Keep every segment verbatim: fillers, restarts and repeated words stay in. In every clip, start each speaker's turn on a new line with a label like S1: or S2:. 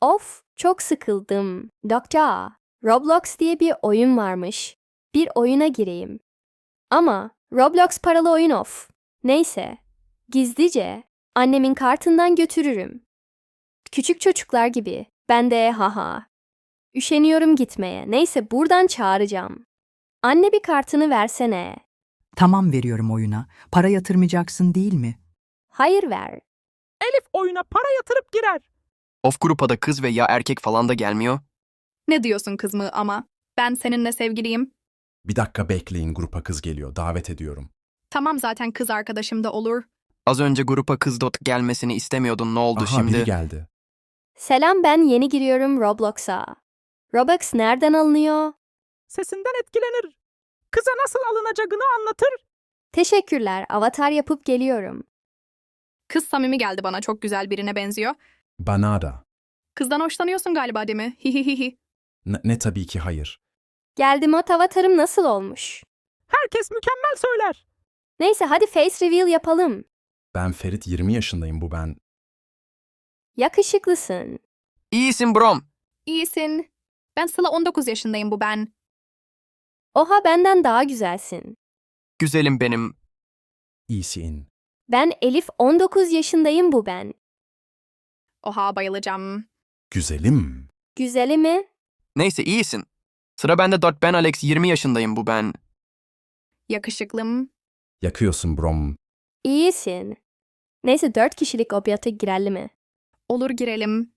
S1: Of, çok sıkıldım. Doktor, Roblox diye bir oyun varmış. Bir oyuna gireyim. Ama Roblox paralı oyun of. Neyse, gizlice annemin kartından götürürüm. Küçük çocuklar gibi. Ben de haha. Üşeniyorum gitmeye. Neyse buradan çağıracağım. Anne bir kartını versene.
S2: Tamam veriyorum oyuna. Para yatırmayacaksın değil mi?
S1: Hayır ver.
S3: Elif oyuna para yatırıp girer.
S4: Of grupa da kız ve ya erkek falan da gelmiyor.
S5: Ne diyorsun kız mı ama? Ben seninle sevgiliyim.
S6: Bir dakika bekleyin, grupa kız geliyor. Davet ediyorum.
S5: Tamam zaten kız arkadaşım da olur.
S4: Az önce grupa kız dot gelmesini istemiyordun, ne oldu
S6: Aha,
S4: şimdi?
S6: biri geldi.
S1: Selam, ben yeni giriyorum Roblox'a. Robux nereden alınıyor?
S3: Sesinden etkilenir. Kıza nasıl alınacağını anlatır.
S1: Teşekkürler, avatar yapıp geliyorum.
S5: Kız samimi geldi bana, çok güzel birine benziyor.
S6: Bana da.
S5: Kızdan hoşlanıyorsun galiba değil mi? Hihihihi.
S6: Ne, ne tabii ki hayır.
S1: Geldim, o avatarım nasıl olmuş?
S3: Herkes mükemmel söyler.
S1: Neyse hadi face reveal yapalım.
S6: Ben Ferit, yirmi yaşındayım, bu ben.
S1: Yakışıklısın.
S4: İyisin brom.
S5: İyisin. Ben Sıla, on dokuz yaşındayım, bu ben.
S1: Oha, benden daha güzelsin.
S4: Güzelim benim.
S6: İyisin.
S1: Ben Elif, on dokuz yaşındayım, bu ben.
S5: Oha, bayılacağım.
S6: Güzelim.
S1: Güzeli mi?
S4: Neyse iyisin. Sıra bende dot ben Alex, yirmi yaşındayım, bu ben.
S5: Yakışıklım.
S6: Yakıyorsun brom.
S1: İyisin. Neyse dört kişilik obyata girelim mi?
S5: Olur, girelim.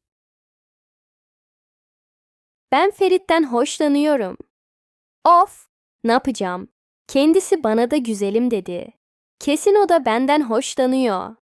S1: Ben Ferit'ten hoşlanıyorum. Of! Ne yapacağım? Kendisi bana da güzelim dedi. Kesin o da benden hoşlanıyor.